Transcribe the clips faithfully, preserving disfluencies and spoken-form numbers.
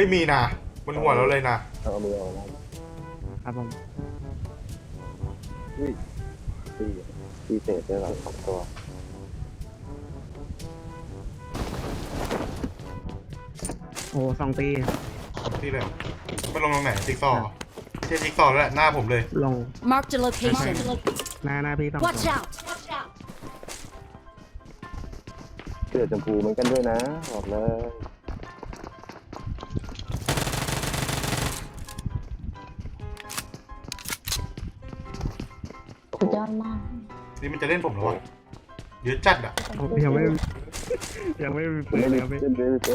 ยมีนะบนหัวเราเลยนะเอามือเอาแล้วครับผมอุ้ยตีตีเศษได้หรอสองตัวโอ้สองตีที่เลยมันลงตรงไหนจิ๊กซอว์ไม่ใช่จิ๊กซอว์แล้วแหละหน้าผมเลยลง Mark the location. หน้าหน้าพี่ต้อง Watch out. เสื้อชมพูเหมือนกันด้วยนะบอกเลยสุดยอดมากนี่มันจะเล่นผมเหรอวะเยอะจัดอ่ะยังไม่ยังไม่มีปืนครับพี่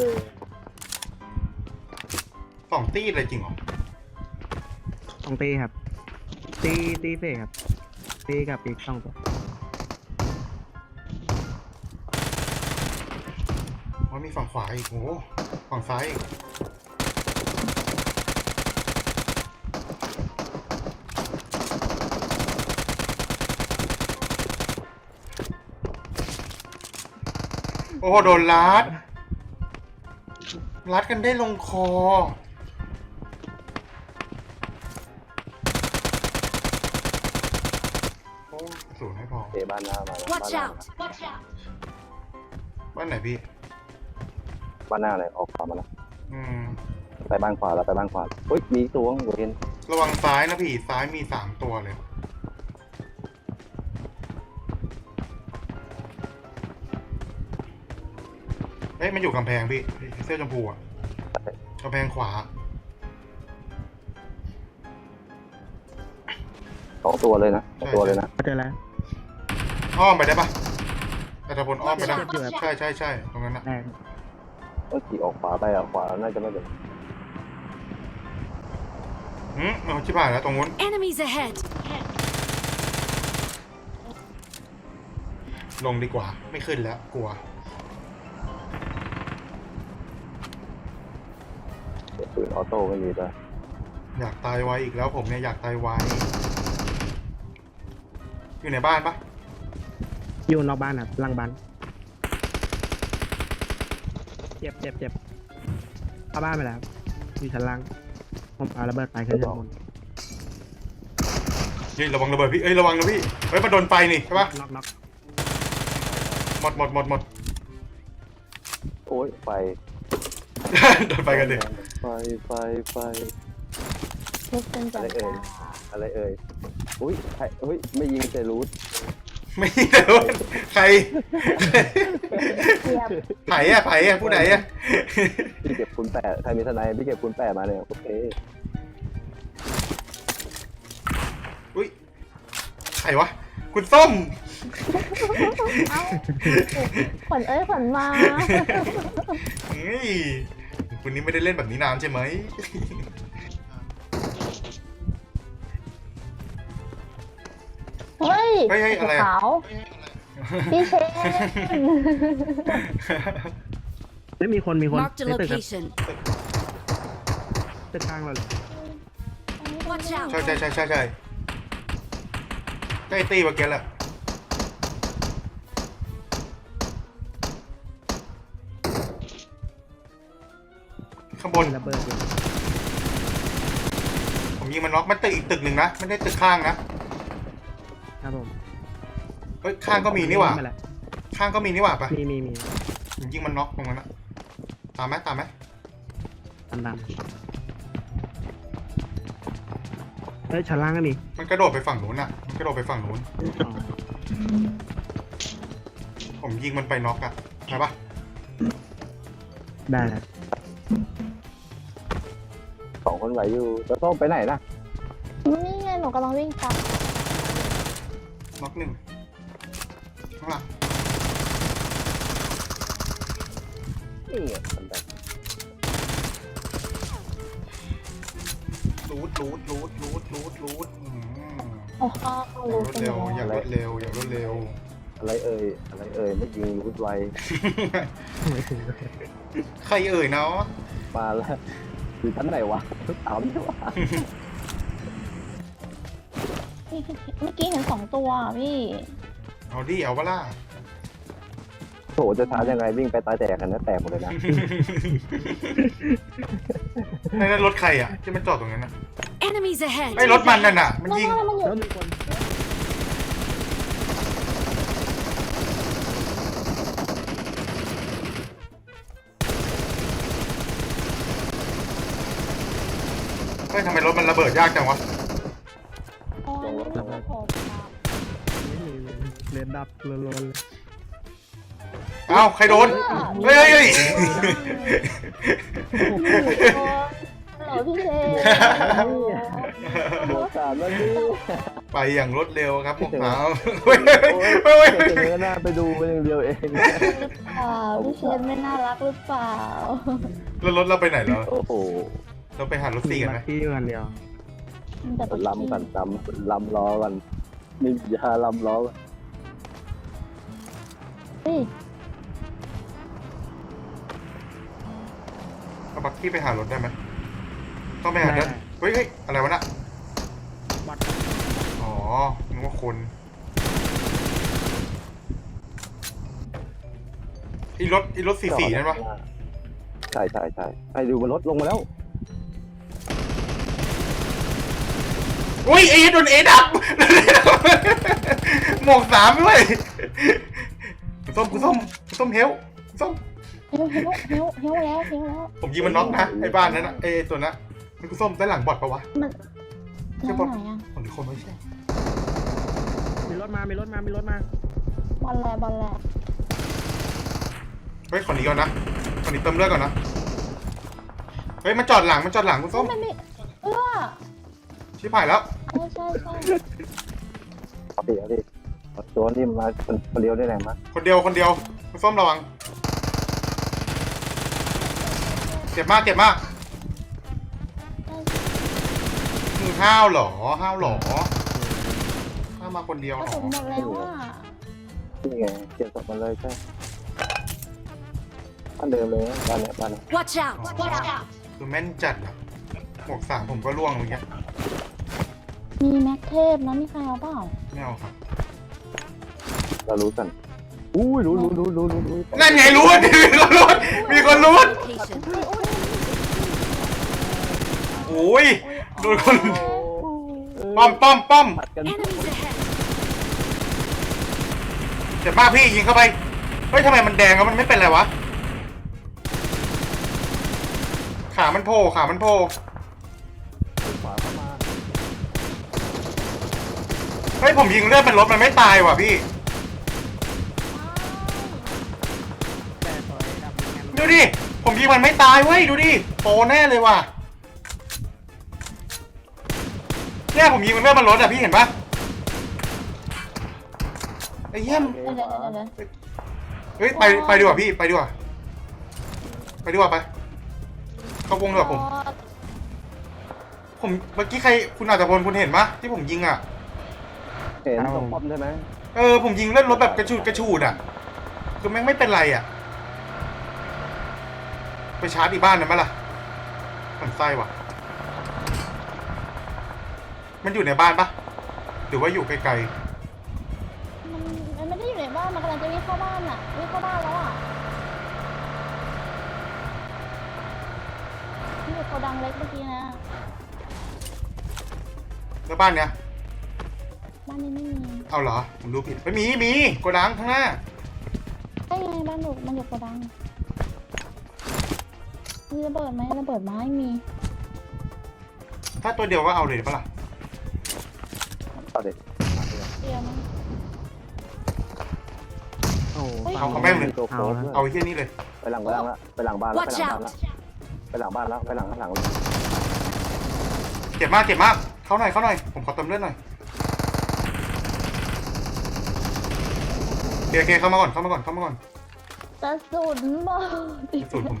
สองตีอะไรจริงเหรอสองตีครับตีตีเสกครับตีกับอีกสองตัวมันมีฝั่งขวาอีกโอ้ฝั่งซ้ายอีกโอ้โดนลัดลัดกันได้ลงคอโอ้สูงให้พอเตะบ้านหน้ามา Watch out. บ้านไหนพี่บ้านหน้าเลยออกขวามาแล้วอืมไปบ้านขวาแล้วไปบ้านขวาเฮ้ยมีตัวหัวเห็นระวังซ้ายนะพี่ซ้ายมีสามตัวเลยเอ้ยมันอยู่กำแพงพี่เสื้อชมพูอ่ะกำแพงขวาสองตัวเลยนะสองตัวเลยนะเจอแล้วอ้อมไปได้ปะแต่ถ้าบนอ้อมไปได้ใช่ใช่ใช่ตรงนั้นนะเออขี่ออกขวาไปอ่ะขวาน่าจะไม่เป็นอืมมันชิบหายแล้วตรงนู้น Enemies ahead. ลงดีกว่าไม่ขึ้นแล้วกลัวปืนออโต้ไม่มีด้วยอยากตายไวอีกแล้วผมเนี่ยอยากตายไวอยู่ในบ้านปะอยู่นอกบ้านครับหลังบ้านเจ็บเจ็บเจ็บเข้าบ้านไปแล้วอยู่ชั้นล่างผมเอาระเบิดไปขึ้นชั้นบนนี่ระวังระเบิดพี่เอ้ยระวังนะพี่เฮ้ยมันโดนไฟนี่ใช่ปะน็อกน็อกหมดหมดหมดหมดโอ้ยไฟโดนไฟกันดิไฟไฟไฟทุกเป็นจังจ้าอะไรเอ่ยอุ้ยใครอุ้ยไม่ยิงแต่รูทไม่รู้ใครไผ่อะไผ่อะผู้ไหนอะพี่เก็บคูณแปดใครมีทนายพี่เก็บคูณแปดมาเนี่ยโอเคอุ้ยใครวะคุณส้มเอ้าขวัญเอ้ยขวัญมาเฮ้ยคุณนี้ไม่ได้เล่นแบบนี้นานใช่ไหมเฮ้ยเฮ้ยอะไรขาวพี่เชนไม่มีคนมีคน Mark the ในตึกครับ location. ตึกข้างเราเลย Watch ใช่ out. ใช่ใช่ใช่ใช่ใกล้ตีเมื่อกี้แหละข้างบนระเบิดอยู่ผมยิงมันน็อกมันตึกอีกตึกหนึ่งนะไม่ได้ตึกข้างนะครับผมเฮ้ยข้างก็มีนี่หว่าข้างก็มีนี่หว่าปะมีมีมียิงมันน็อกตรงนั้นนะตามไหมตามไหมตามตามเฮ้ยชั้นล่างก็มีมันกระโดดไปฝั่งนู้นอ่ะมันกระโดดไปฝั่งนู้นผมยิงมันไปน็อกอ่ะใช่ปะได้แล้วสองคนไหวอยู่จะต้องไปไหนนะนี่ไงหนูกำลังวิ่งตามน็อกหนึ่งข้างหลังนี่ไงมันแบบรูดรูดรูดรูดรูดรูดโอ้โหรวดเร็วอย่ารวดเร็วอย่ารวดเร็วอะไรเอ่ยอะไรเอ่ยไม่ยิงรูดไวใครเอ่ยเนาะมาแล้วอยู่ชั้นไหนวะถามใช่ปะเมื่อกี้เห็นสองตัวพี่เอาดิเอาปะล่ะโอ้ถจะช้ายังไงวิ่งไปตายแตกกันนะแตกหมดเลยนะนั่นรถใครอ่ะที่มันจอดตรงนั้นนะ Enemies ahead. ไอ้รถมันนั่นน่ะมันยิงแล้วมันอยู่แล้วมีคนเฮ้ยทำไมรถมันระเบิดยากจังวะโอ้ยมันอยู่ผมอะเรียนดับล้วนๆเลยเอ้าใครโดนเฮ้ยเฮ้ยเฮ้ยฮัลโหลพี่เชโดนสามแล้วนี่ไปอย่างรวดเร็วครับพวกเราเฮ้ยเฮ้ยเฮ้ยแค่จะเงยหน้าไปดูไปอย่างเดียวเองอ่าพี่เชนไม่น่ารักหรือเปล่าแล้วรถเราไปไหนแล้วโอ้โหเราไปหารถสี่กันไหมลัคกี้อยู่กันเดียวมันแต่ลำกันลำลำล้อกันมียาลำล้อกันเฮ้ยเอาบักกี้ไปหารถได้ไหมต้องไปหาเดินเฮ้ยเฮ้ยอะไรวะน่ะบัตรอ๋อนึกว่าคนอีรถอีรถสี่สี่นั่นปะใช่ใช่ใช่ไอ้ดูบนรถลงมาแล้วอุ้ยเอโดนเอดับหมวกสามด้วยคุณส้มคุณส้มคุณส้มเฮลคุณส้มเฮวเฮวเฮวเฮวแล้วเฮวแล้วผมยิงมันน็อกนะไอ้บ้านนั้นนะไอ้ตัวนั้นมันคุณส้มด้านหลังบอดปะวะมันนั่นไหนอ่ะผมหรือคนไม่ใช่มีรถมามีรถมามีรถมาบอลแลบอลแลเฮ้ยขอหนีก่อนนะขอหนีเติมเลือดก่อนนะเฮ้ยมันจอดหลังมันจอดหลังคุณส้มไม่ไม่เออชิบหายแล้วใช่ใช่ใช่เอาดิเอาดิตัวนี้มาคนเดียวได้ไหนมาคนเดียวคนเดียวคุณส้มระวังเจ็บมากเจ็บมากมึงห้าวเหรอห้าวเหรอห้าวมาคนเดียวกเหระรอสุนหมดแล้วอ่ะนี่ไงเก็บศพมันเลยใช่บ้านเดิมเลยบ้านเนี้ยบ้านเนี้ย Watch out. Watch out. คือแม่นจัดอะหมวกสามผมก็ล่วงเมื่อกี้มีแม็กเทพนะมีใครเอาเปล่าไม่เอาครับเรารู้กันอุ้ยรู้รู้รู้รู้รู้รู้นั่นไงรู้ว่ามีคนรู้มีคนรู้ Location. โอ้ยโดนคนป้อมป้อมป้อมผัดกัน Enemies ahead. เจ็บมากพี่ยิงเข้าไปเฮ้ยทำไมมันแดงแล้วมันไม่เป็นไรวะขามันโผล่ขามันโผล่ขวาเข้ามาเฮ้ยผมยิงเลือดเป็นรถมันไม่ตายว่ะพี่แต่ซอยดับเหมือนกันดูดิผมยิงมันไม่ตายเว้ยดูดิโปรแน่เลยว่ะเนี่ยผมยิงมันเลือดมันรถอะพี่เห็นปะไอ้เหี้ยมเดี๋ยวเดี๋ยวเดี๋ยวเดี๋ยวเฮ้ยไปไปดีกว่าพี่ไปดีกว่าไปดีกว่าไปเข้าวงดีกว่าผม ผมเมื่อกี้ใครคุณอาจจะพลคุณเห็นปะที่ผมยิงอ่ะเห็นตรงป้อมใช่ไหมเออผมยิงเล่นรถแบบกระชูดกระชูดอ่ะคือแม่งไม่เป็นไรอ่ะไปชาร์จอีกบ้านนั้นไหมล่ะมันไส้ว่ะมันอยู่ในบ้านปะหรือว่าอยู่ไกลมันมันไม่ได้อยู่ในบ้านมันกำลังจะวิ่งเข้าบ้านอ่ะวิ่งเข้าบ้านแล้วอ่ะนี่อยู่โกดังเล็กเมื่อกี้นะๆแล้วบ้านเนี้ยบ้านนี้ไม่มีเอาเหรอผมดูผิดไม่มีมีโกดังข้างหน้าได้ไงบ้านอยู่มันอยู่โกดังมีระเบิดไหมระเบิดไม้มีถ้าตัวเดียวก็เอาเลยปะล่ะเอาเด็กเดียวมั้งโอ้เอาเขาแม่งเลยตัวโค้ดเอาไอ้เหี้ยนี่เลยไปหลังบ้านละไปหลังบ้านละ Watch out. ไปหลังบ้านละไปหลังบ้านละไปหลังข้างหลังเจ็บมากเจ็บมากเข้าหน่อยเข้าหน่อยผมขอเติมเลือดหน่อยโอเคโอเคเข้ามาก่อนเข้ามาก่อนเข้ามาก่อนกระสุนบอลสุดผม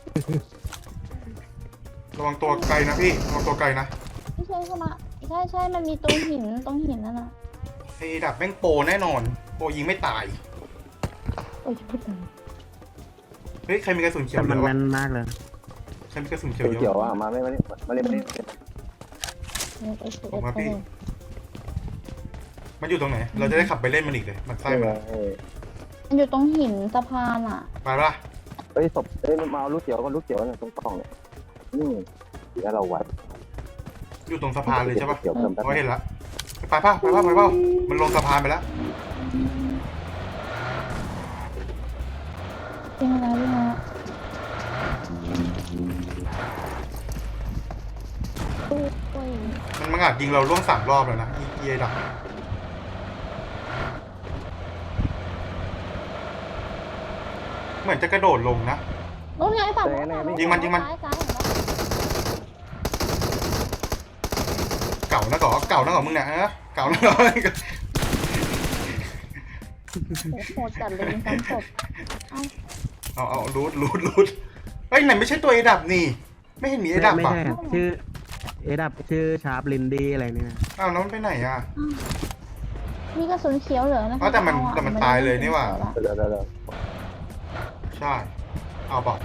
ระวังตัวไกลนะพี่ระวังตัวไกลนะไม่ใช่เข้ามาใช่ใช่มันมีตรงหินตรงหินนั่นน่ะไอ้ดับแม่งโปรแน่นอนโปรยิงไม่ตายโอ้ยพูดถึงเฮ้ยใครมีกระสุนเขียแต่วเยมันอะแม่วะนมากเลยใครมีกระสุนเขียวเป็นเยเกี่ยวอะอ่ะมาไม่มานี่มาเล่นมาเล่นไอ้สุดผมมาไปพี่เลยมันอยู่ตรงไหนเราจะได้ขับไปเล่นมันอีกเลยมันไส้ใช่ไหมมันมันอยู่ตรงหินสะพานอ่ะไปปะเฮ้ยศพเอ้ยมันมาเอาลูกเขียวก็ลูกเขียวเนี่ยตรงกล่องเนี่ยนี่เสียเราไว้อยู่ตรงสะพานเลยใช่ปะเขียวเพิ่มแป๊บเขาเห็นละไปป่ะไปป่ะไปป่ะมันลงสะพานไปแล้วจริงแล้วจริงแล้วโอ้ยมันมังอาจยิงเราล่วงสามรอบแล้วนะอีเอดับเหมือนจะกระโดดลงนะนู่นไงฝั่งยิงมันยิงมันซ้ายซ้ายเห็นปะเก่านะก่อเก่านะก่อมึงเนี่ยฮะเก่านะก่อโอ้โหโหดจัดเลยยิงซ้ำศพเอ้าเอาเอารูดรูดรูดเฮ้ยไหนไม่ใช่ตัวเอดับนี่ ไม่เห็นมีเอดับไม่ป่ะใช่ชื่อเอดับชื่อชาร์ปลินดี้อะไรเนี่ยอ้าวแล้วมันไปไหนอ่ะมีกระสุนเขียวเหลือนะอ๋อแต่มันเาอะแต่มันตายเลยนี่หว่าเดี๋ยวเดี๋ยวเดี๋ยวใช่เอาเปล่า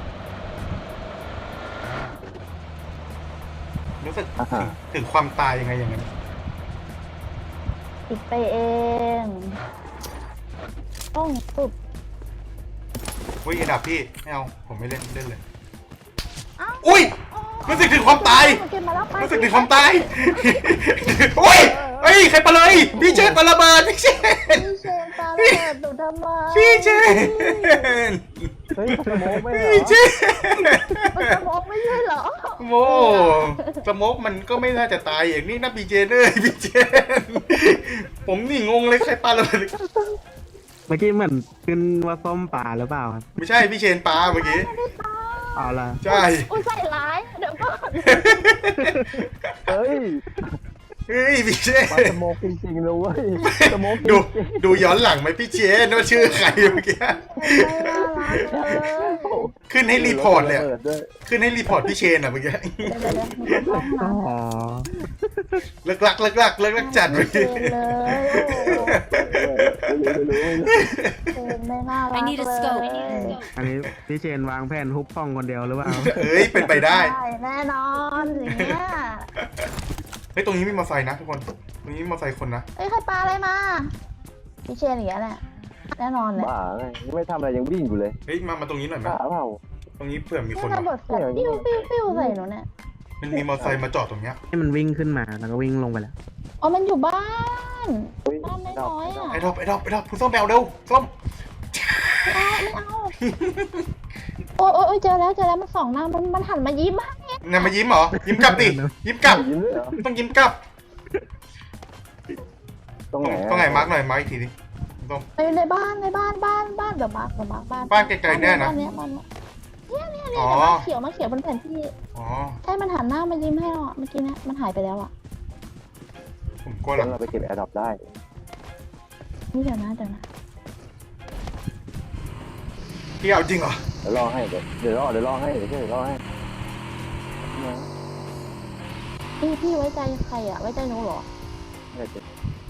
รู้สึกถึงถึงความตายยังไงอย่างนั้นติดไปเองต้องปุบเฮ้ยเอดับพี่ไม่เอาผมไม่เล่นเล่นเลยเอ้าอุ้ยรู้สึกถึงความตายมันเก็บมาแล้วไปรู้สึกถึงความตายโอ้ยเฮ้ยใครปาเลยพี่เจนปาระเบิดพี่เจนพี่เชนปาระเบิดหนูทำไมพี่เจนเฮ้ยสโมกไม่เหรพี่อเจนมันสมองไม่ใช่เหรอโมสโมกมันก็ไม่น่าจะตายอย่างนี้นะพี่เจนเอ้ยพี่เจนผมนี่งงเลยใครปาระเบิดเมื่อกี้เหมือนขึ้นว่าส้มป่าหรือเปล่าครับไม่ใช่พี่เชนปาเมื่อกี้เอาละใช่อุ้ยใส่ร้ายเดี๋ยวก่อนเฮ้ยเฮ้ยพี่เชนมาสโมกจริงๆเลยเว้ยสโมกจริดูงดูย้อนหลังไหมพี่เชนว่าชื่อใครเมื่อกี้ไม่น่ารักเลยๆขึ้นให้รีพอร์ตเลยอะระบิดด้วยขึ้นให้รีพอร์ตพี่เชนอ่ะเมื่อกี้เดี๋ยวเดี๋ยวเดี๋ยวมีคนเข้าห้องอ๋น้อเลิกลักเลิกลักเลิกลักจัดำเมื่อเชกี้นเลยโอ้โหเชนไม่น่ารัก I need a เลย scope อันนี้พี่เชนวางแผนฮุบห้องคนเดียวหรือเปล่าเอ้ยเป็นไปได้ใช่แน่นอนอย่างเงี้ยเฮ้ยตรงนี้มีมอเตอร์ไซค์นะทุกคนตรงนี้มีมอเตอร์ไซค์คนนะเอ้ยใครปลาอะไรมาพี่เชนอย่างเงี้ยแหละแน่นอนเลยบ้าไงไม่ทำอะไรยังวิ่งอยู่เลยเฮ้ยมามาตรงนี้หน่อยไหมบ้าเปล่าตรงนี้เผื่อมีคนนี่ระเบิวะดแฟลชปิ้วปิ้วปิ้วใส่หนูเนี่ยมันมีมอเตอร์ไซค์มาจอดตรงเนี้ยให้มันวิ่งขึ้นมาแล้วก็วิ่งลงไปแล้วอ๋อมันอยู่บ้านเฮ้ยบ้านน้อยๆอ่ะไอ้ดอกไอ้ดอกไอ้ดอกคุณส้มแบวเร็วส้มไม่เอาไม่เอาโอ้ยโอ้ยโอ้ยเจอแล้วเจอแล้วมันส่องหน้ามันมันหันมายิ้มอะนายมายิ้มเหรอยิ้มกลับดิยิ้มกลับยิ้มเลยเหรอต้องยิ้มกลับตรงไหนต้องไหนมาร์กหน่อยมาร์กอีกทีดิส้มไปในบ้านในบ้านบ้านบ้านเดี๋ยวมาร์คเดี๋ยวมาร์คบ้านบ้านไกลๆแน่นะบ้านเนี้ยบ้านเนี้ยเนี่ยเนี่ยเนี่ยอ๋อแต่ว่าเขียวมาเขียวบนแผนที่อ๋อใช่มันหันหน้ามายิ้มให้เราอะเมื่อกี้เนี่ยมันหายไปแล้วอ่ะผมกลัวหรงั้อกนเราไปเก็บแอร์ดรอปได้นี่เดี๋ยวนะเดี๋ยวนะพี่เอาจริงเหรอเดี๋ยวรอให้เดี๋ยวเดี๋ยวรอเดี๋ยวรอให้เดี๋ยวเดี๋ยวรอให้พี่พี่ไว้ใจใครอ่ะไว้ใจหนูเหรอเนี่ยเดี๋ยว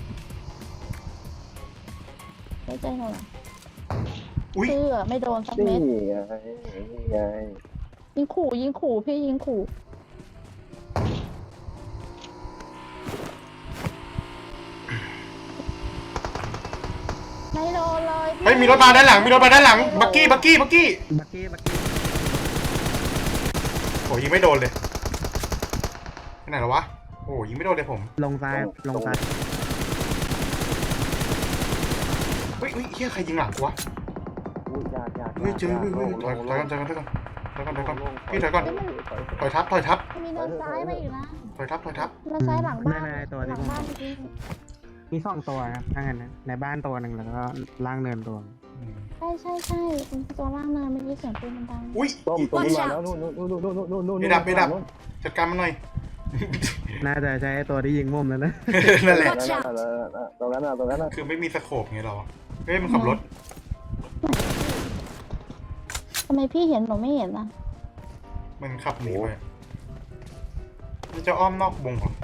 ไว้ใจหนูเหรออุ้ยเชื่อไม่โดนสักนี่เม็ดไงนี่ไงยิงขู่ยิงขู่พี่ยิงขู่ไม่โดนเลยพี่เฮ้ยมีรถมาด้านหลังมีรถมาด้านหลังบักกี้บักกี้บักกี้บักกี้บักกี้โอ้ยิงไม่โดนเลยไปไหนแล้ววะโอ้ยิงไม่โดนเลยผมลงซ้ายลงซ้ายเฮ้ยเฮ้ยเฮียใครยิงหลังกูวะอุ้ยยากยากเฮ้ยเจอเฮ้ยเฮ้ยถอยถอยก่อนถอยก่อนถอยก่อนถอยก่อนถอยก่อนพี่ถอยก่อนเฮ้ยมันถอยทับถอยทับมันมีเดินซ้ายมาอีกนะถอยทับถอยทับเดินซ้ายหลังบ้านในในตัวหที่ลังผมบ้านเมื่อกี้มีสองตัวครับถ้างั้นนะในบ้านตัวหนึ่งแล้วก็ล่างเนินตัวอืมใช่ใช่ใช่เป็นตัวล่างเนินเมื่อกี้เสียงปืนมันดังอุ้ยต้มตัวนี้มาแล้วนู่นนู่นนู่นนู่นนู่นนู่นนู่นไม่ดับไม่ดับ จัดการมันหน่อยน่าจะใช้ตัวที่ยิงมุมแล้วนะนั่นแหละนั่นน่ะตรงนั้นน่ะตรงนั้นน่ะคือไม่มีสโคปไงเราอะเฮ้ยมันขับรถทำไมพี่เห็นหนูไม่เห็นอ่ะมันขับหนีไปมันจะอ้อมนอกวงเหรอ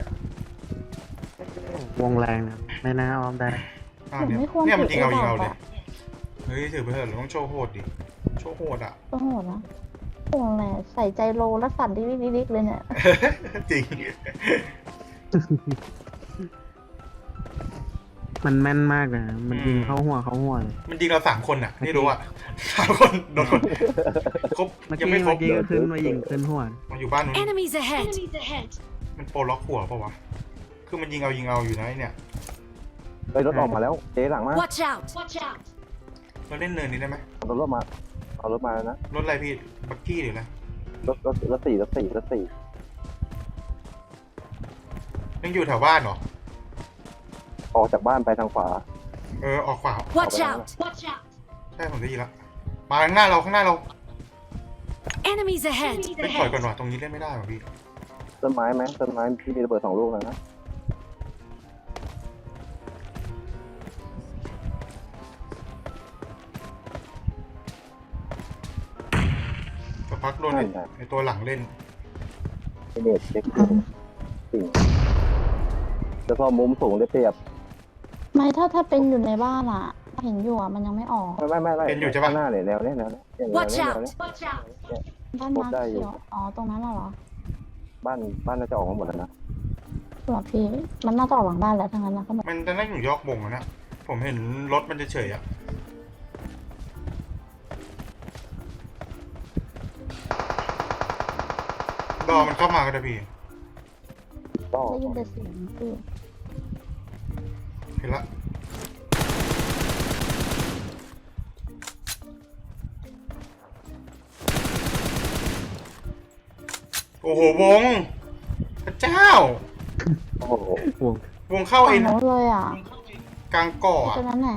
วงแรงนะไม่น่าอ้อมได้อ่าเนี่ยเนี่ยมันยิงเอายิงเอาเลยเฮ้ยถือไปเถอะเราต้องโชว์โหดดิโชว์โหดอ่ะก็โหดนะโหดแหละใส่ใจโลแล้วสั่นดิ๊กๆๆเลยเนี่ยจริงมันแม่นมากนะมันยิงเข้าหัวเข้าหัวเลยมันยิงเราสามคนอ่ะนี่รู้อ่ะสามคนโดนคนครบเมื่อยังกี้ไม่ครเมื่บอกี้ก็ขึ้นมายิงขึ้นหัวมาอยู่บ้านนู้น Enemies ahead! มันโปรล็อกหัวเปล่าวะคือมันยิงเอายิงเอาอยู่นะไอ้เนี่ยเฮ้ยรถออกมาแล้วเจ๊หลังมา Watch out! Watch out! เราเล่นเนินนี้ได้ไหมเอารถมาเอารถมาแล้วนะรถอะไรพี่บักกี้หรืออะไรรถรถรถสี่รถสี่รถสี่ยังอยู่แถวบ้านเหรอออกจากบ้านไปทางขวาเออออกขวา Watch out! Watch out! ใช่ผมได้ยินแล้วมาข้างหน้าเราข้างหน้าเรา Enemies ahead! เล่นถอยก่อนว่ะตรงนี้เล่นไม่ได้ว่ะพี่ต้นไม้ไหมต้นไม้ที่มีระเบิดสองลูกแล้วนะสักพักโดนไอ้ไอตัวหลังเล่นไอเน็ตเช็คดูสิ่งแล้วพอมุมสูงได้เปรียบไม่ถ้าถ้าเป็นอยู่ในบ้านอ่ะ เห็นอยู่อ่ะมันยังไม่ออกไม่ไม่ไม่ไม่เป็นอยู่ใช่ปะข้างหน้าเนี่ยแนวเนี้ยแนวเนี้ยแนว Watch เนี้ยแนว out! เนี้ย Watch out! บ้านพบมาได้อยู่เขียวอ๋อตรงนั้นน่ะเหรอบ้านบ้านน่าจะออกมาหมดแล้วนะเหรอพี่มันน่าจะออกหลังบ้านแล้วทั้งนั้นนะก็แบบมันจะนั่งอยู่ยอกบงอะนะผมเห็นรถมันจะเฉยๆอะรอมันเข้ามาก็ได้พี่ก็ได้ยินแต่เสียงพี่เห็นละโอ้โหวงพระเจ้าโอ้โหวงวงเข้าฝั่เองงโน้นเลยอ่ะกลางก่ออะตรงนั้นแหละ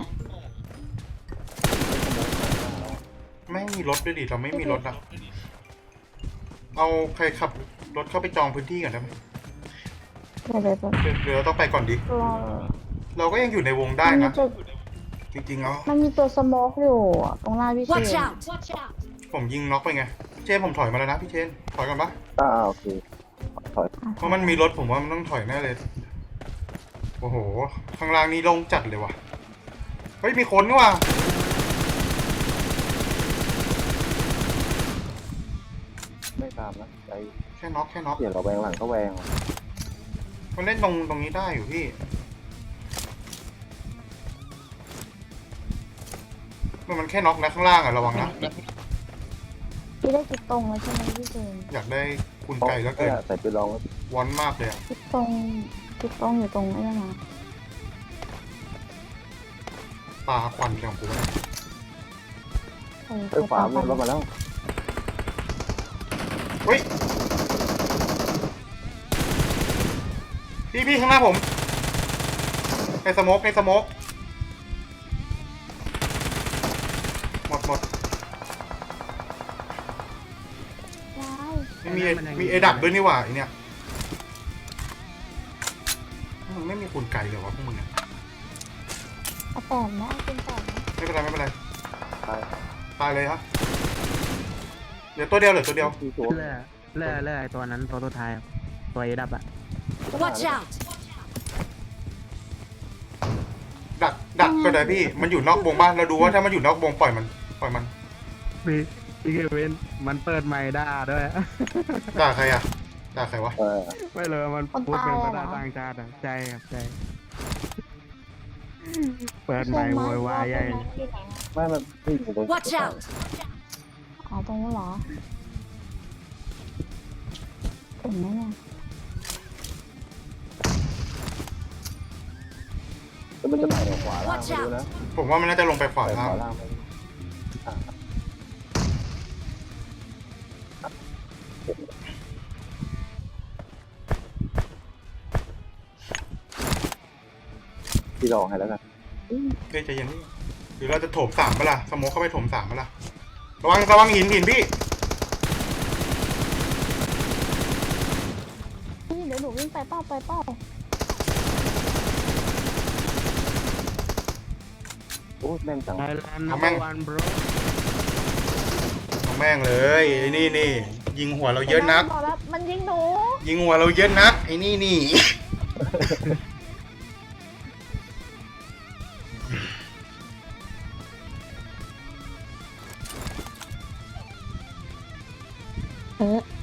ไม่มีรถด้วยดิเราไม่มีรถอะเอาใครขับรถเข้าไปจองพื้นที่ก่อนได้ไหมเดี๋ยวเดี๋ยวเดี๋ยวเดี๋ยวเดี๋ยวเราต้องไปก่อนดิตัวเราก็ยังอยู่ในวงได้มันมีนะตัวจริงๆแล้วมันมีตัวสโมกอยู่อะตรงหน้าพี่เช Watch น out! Watch out! ผมยิงน็อกไปไงเชนผมถอยมาแล้วนะพี่เชนถอยก่อนปะอ่าโอเคถอยเพราะมันมีรถผมว่ามันต้องถอยแน่เลย โอ้โห ข้างล่างนี่โล่งจัดเลยว่ะ เฮ้ยมีคนนี่ว่ะไม่ตามนะใจแค่น็อกแค่น็อกเปลี่ยนเราแวงหลังก็แวงมันเล่นตรงตรงนี้ได้อยู่พี่มันมันแค่น็อกนะข้างล่างอะระวังนะพี่ได้จุดตรงแล้วใช่ไหมพี่เชนอยากได้คุณไก่แล้วเกินใส่ปืนลองวอนมากเลยอะจุดตรงจุดตรงอยู่ตรงไอ้นั่นนะปลาควันของกูนะเออเอ้ยขวาลงรถมาแล้วเฮ้ย พี่พี่ข้างหน้าผมในสโมกในสโมกหมดหมดว้ายไม่มีมีเอดับด้วยนี่หว่าไอเนี่ยมึงไม่มีคุณไก่เลยวะพวกมึงอะเอาแปดไหมเอาเป็นแปดไหมไม่เป็นไรไม่เป็นไรตายตายเลยครับเหลือตัวเดียวเหลือตัวเดียวที่ตัวเลื่อเลื่อเลื่อไอตัวนั้นตัวตัวท้ายอะตัวเอดับอะ Watch out! ดักดักก็ได้พี่มันอยู่นอกวงบ้านเราดูว่าถ้ามันอยู่นอกวงปล่อยมันปล่อยมันพี่พี่เควินมันเปิดไมค์ด่าด้วยด่าใครอะด่าใครวะเออไม่เลยมันพูดเป็นภาษาต่างชาติอะใจครับใจเปิดไมค์โวยวายใหญ่ไม่มันที่อยู่ตรง Watch out! อ๋อตรงนู้นเหรอเห็นไหมเนี่ยแล้วมันจะไปขวาล่าง Watch ไม่รู้ out! นะผมว่ามันน่าจะลงไปขวาไปล่าขงวาล่างไปอ่ะพี่ลองให้แล้วกันเฮ้ยใจเย็นพี่หรือเราจะโถมสามปะล่ะสโมกเข้าไปโถมสามปะล่ะระวังระวังหินหินพี่พี่เดี๋ยวหนูวิ่งไปเป้าไปเป้าโอ้แม่นจังไทยแลนด์นัมเบอร์วันบรเอาแม่งเลยไอ้นี่นี่ยิงหัวเราเยอะนักบอกแล้วมันยิงหนูยิงหัวเราเยอะนักไอ้นี่นี่เออ